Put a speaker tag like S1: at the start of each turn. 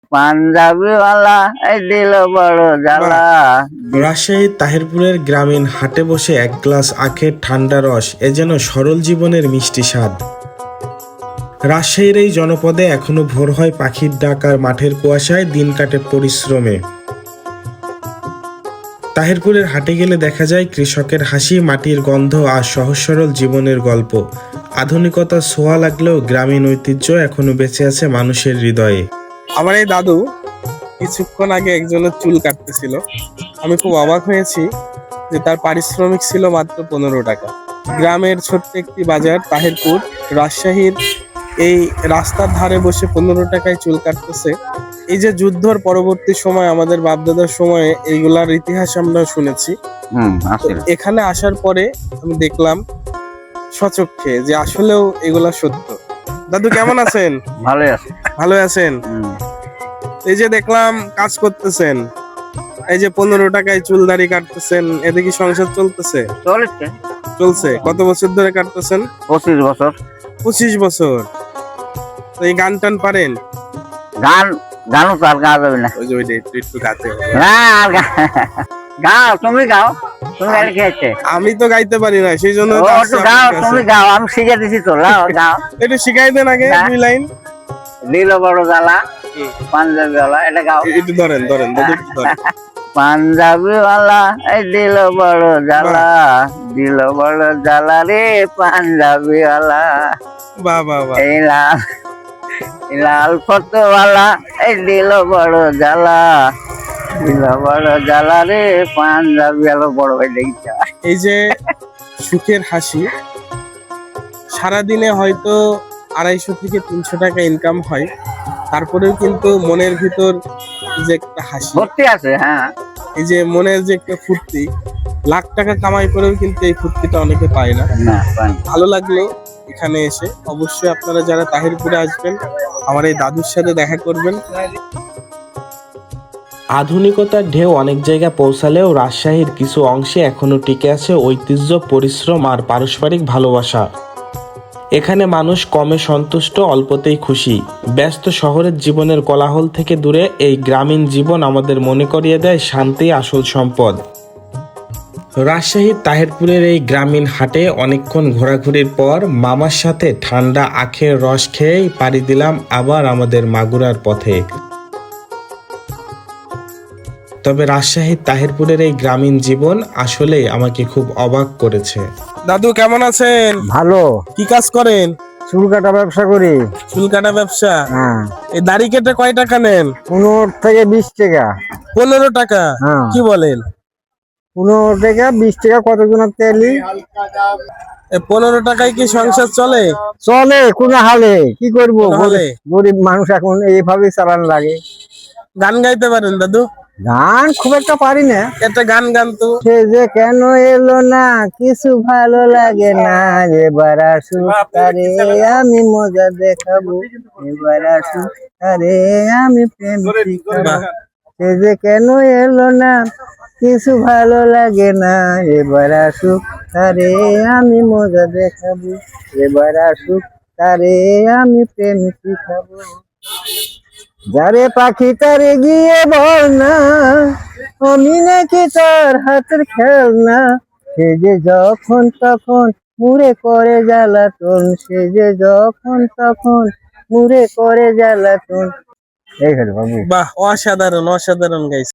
S1: পাঞ্জাবিওয়ালা এই দিল বড় জ্বালা।
S2: রাজশাহীর তাহিরপুরের গ্রামীণ হাটে বসে এক গ্লাস আখের ঠান্ডা রস এ যেন সরল জীবনের মিষ্টি স্বাদ। রাজশাহীর এই জনপদে এখনো ভোর হয় পাখির ডাক আর মাঠের কুয়াশায় দিন কাটে পরিশ্রমে। তাহিরপুরের হাটে গেলে দেখা যায় কৃষকের হাসি, মাটির গন্ধ আর সহজ সরল জীবনের গল্প। আধুনিকতার ছোঁয়া লাগলেও গ্রামীণ ঐতিহ্য এখনো বেঁচে আছে মানুষের হৃদয়ে।
S3: আমার এই দাদু কিছুক্ষণ আগে একজনের চুল কাটতেছিল। আমি খুব অবাক হয়েছি যে তার পারিশ্রমিক ছিল মাত্র 15 টাকা। গ্রামের ছোট্ট একটি বাজার তাহিরপুর, রাজশাহীর এই রাস্তার ধারে বসে 15 টাকায় চুল কাটতেছে। এই যে যুদ্ধর পরবর্তী সময় আমাদের বাপদাদার সময়ে এইগুলার ইতিহাস আমরা শুনেছি। তো এখানে আসার পরে আমি দেখলাম সচক্ষে যে আসলেও এগুলা সত্য। দাদু কেমন আছেন?
S1: ভালোই আছে।
S3: ভালো আছেন? এই যে দেখলাম কাজ করতেছেন, এই যে 15 টাকায় চুল দাড়ি কাটতেছেন, এতে কি সংসার চলতেছে?
S1: চলছে।
S3: চলছে। কত বছর ধরে কাটতেছেন?
S1: 25 বছর।
S3: 25 বছর। তো এই গান টান পারেন?
S1: গানও তো আর গাওয়া যাবে না।
S3: ওই যে ওইটা একটু গাতে হবে।
S1: না আর গাও, তুমি গাও, তুমি গাড়ি খেয়েছে।
S3: আমি তো গাইতে পারি না, সেই জন্য
S1: গাও, তুমি গাও, আমি শিখে দিছি তো। গাও
S3: একটু শিখাই দেন আগে 2 লাইন।
S1: দিল বড় জ্বালা পাঞ্জাবিওয়ালা, এটা গাও।
S3: একটু ধরেন দাদু, একটু ধরেন।
S1: পাঞ্জাবিওয়ালা এই দিল বড় জ্বালা, দিল বড় জ্বালা রে পাঞ্জাবিওয়ালা।
S3: বাহ বাহ বাহ।
S1: এই লাল ফটোওয়ালা এই দিল বড় জ্বালা, দিল বড় জ্বালা রে পাঞ্জাবিওয়ালা। বড় ভাই দেখতে
S3: এই যে সুখের হাসি, সারাদিনে হয়তো 250 থেকে 300 টাকা ইনকাম হয়, তারপরেও কিন্তু মনের ভিতর যে একটা হাসি
S1: ভর্তি আছে। হ্যাঁ,
S3: এই যে মনের যে একটা ফুর্তি, লাখ টাকা কামাই করেও কিন্তু এই ফুর্তিটা অনেকে পায় না। ভালো লাগলো এখানে এসে। অবশ্যই আপনারা যারা তাহিরপুরে আসবেন আমার এই দাদুর সাথে দেখা করবেন।
S2: আধুনিকতার ঢেউ অনেক জায়গায় পৌঁছালেও রাজশাহীর কিছু অংশে এখনো টিকে আছে ঐতিহ্য, পরিশ্রম আর পারস্পরিক ভালোবাসা। এখানে মানুষ কমে সন্তুষ্ট, অল্পতেই খুশি। ব্যস্ত শহরের জীবনের কোলাহল থেকে দূরে এই গ্রামীণ জীবন আমাদের মনে করিয়ে দেয় শান্তি আসল সম্পদ। রাজশাহীর তাহিরপুরের এই গ্রামীণ হাটে অনেকক্ষণ ঘোরাঘুরির পর মামার সাথে ঠান্ডা আখের রস খেয়েই পাড়ি দিলাম আবার আমাদের মাগুরার পথে। তবে রাজশাহীর তাহিরপুরের এই গ্রামীণ জীবন আসলেই আমাকে খুব অবাক করেছে।
S3: দাদু কেমন আছেন?
S1: ভালো।
S3: কি কাজ করেন?
S1: চুল কাটা ব্যবসা করি।
S3: চুল কাটা ব্যবসা?
S1: হ্যাঁ।
S3: এই দাড়ি কেটে কয় টাকা নেন?
S1: 15 থেকে 20 টাকা।
S3: 15 টাকা?
S1: হ্যাঁ।
S3: কি বলেন?
S1: 15 টাকা 20 টাকা কতজনের তেলি।
S3: 15 টাকায় কি সংসার চলে?
S1: চলে কোন হালে, কি করবো,
S3: হালে?
S1: গরিব মানুষ এখন এইভাবে চালান লাগে।
S3: গান গাইতে পারেন দাদু?
S1: গান খুব একটা পারি না।
S3: একটা গান গান তো।
S1: সে যে কেন এলো না, কিছু ভালো লাগে না, এবার আসুক তারে আমি মজা দেখাবো, এবার আসুক তারে আমি প্রেম শিখাবো। সে যে কেন এলো না, কিছু ভালো লাগে না, এবার আসুক তারে আমি মজা দেখাবো, এবার আসুক তারে আমি প্রেম শিখাবো। যারে পাখি তারে গিয়ে বল না, আমি নাকি তার হাতের খেলনা। সে যে যখন তখন মুড়ে করে জ্বালাতন, সে যে যখন তখন মুড়ে করে জ্বালাতন। এই হলো বাবু।
S3: বাহ, অসাধারণ অসাধারণ গাইছে।